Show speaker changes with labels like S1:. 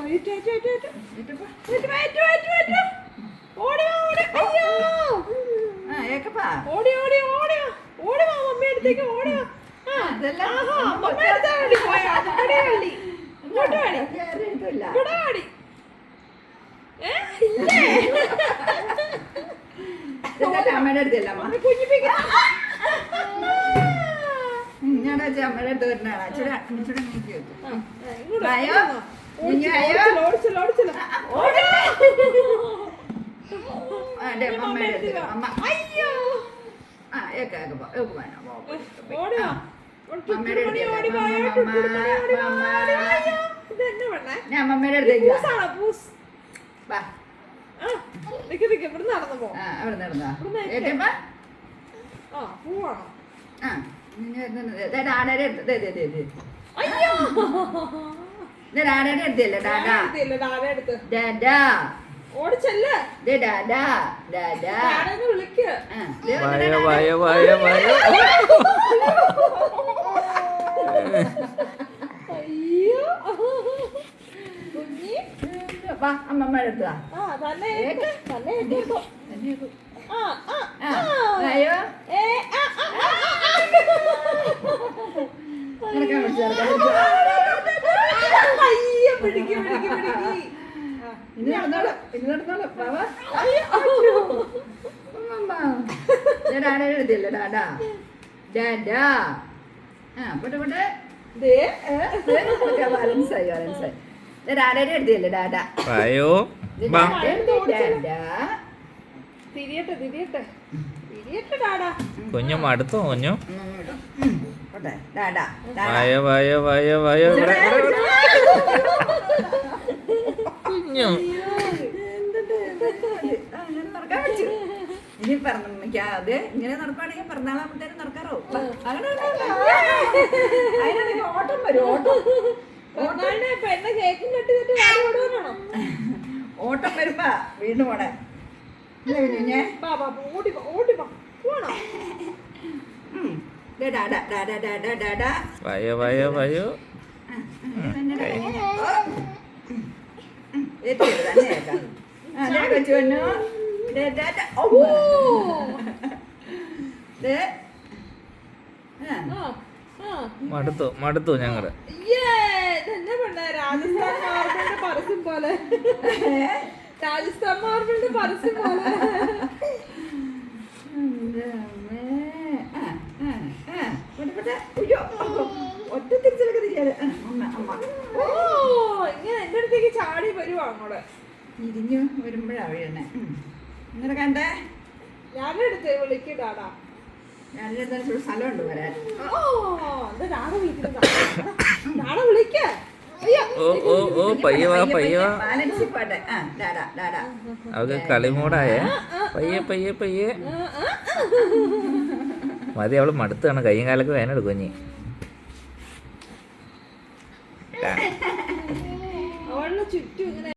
S1: അമ്മയുടെ അടുത്തല്ല ഞാൻ അമ്മയുടെ അടുത്ത് വരുന്നതാണ് ഞാൻ അമ്മയുടെ അടുത്തേക്ക് അവിടെ നടന്നാ ആടയുടെ അടുത്തല്ലേ ഡാഡാ അമ്മമ്മയുടെ അടുത്താ അയ്യോ ഇനി നടന്നോളൂ ബാബാ ഡാഡയുടെ അടുത്തല്ലേ ഡാഡാ ഡാഡാ പോട്ടെ പോട്ടെ ബാലൻസായി ഡാഡയുടെ അടുത്തല്ലേ ഡാഡാ
S2: കുഞ്ഞു മടുത്തോ കുഞ്ഞു കുഞ്ഞു
S1: ഇനി പറഞ്ഞത് ഇങ്ങനെ നടക്കുകയാണെങ്കിൽ പിറന്നാളാകുമ്പോഴത്തേനും നടക്കാറോ അതിനാണെങ്കിൽ ഓട്ടം വരും ഓട്ടം വരുമ്പോ വീണ്ടും പോണേ
S2: മടുത്തു ഞങ്ങള്
S3: രാജസ്ഥാൻ മാർബിളിന്റെ പരസ്യം പോലെ
S1: ഒറ്റ തിരിച്ചൊക്കെ തിരിയാതെ
S3: ഇങ്ങനെ എന്റെ അടുത്തേക്ക് ചാടി വരുവാ അങ്ങോട്ട്
S1: തിരിഞ്ഞു വരുമ്പോഴാ വീഴണേ ഇങ്ങനെ കണ്ടേ
S3: ഞാനും എടുത്ത് വിളിക്കടാടാ
S1: ഞാനെടുത്ത സ്ഥലമുണ്ട് വരാൻ
S3: നാളെ വിളിക്ക
S2: അവക്ക് കളിമൂടായേ പയ്യെ മതി അവള് മടുത്താണ് കയ്യും കാലൊക്കെ വേനെടുക്കും കുഞ്ഞി
S3: അവളുടെ ചുറ്റും ഇങ്ങനെ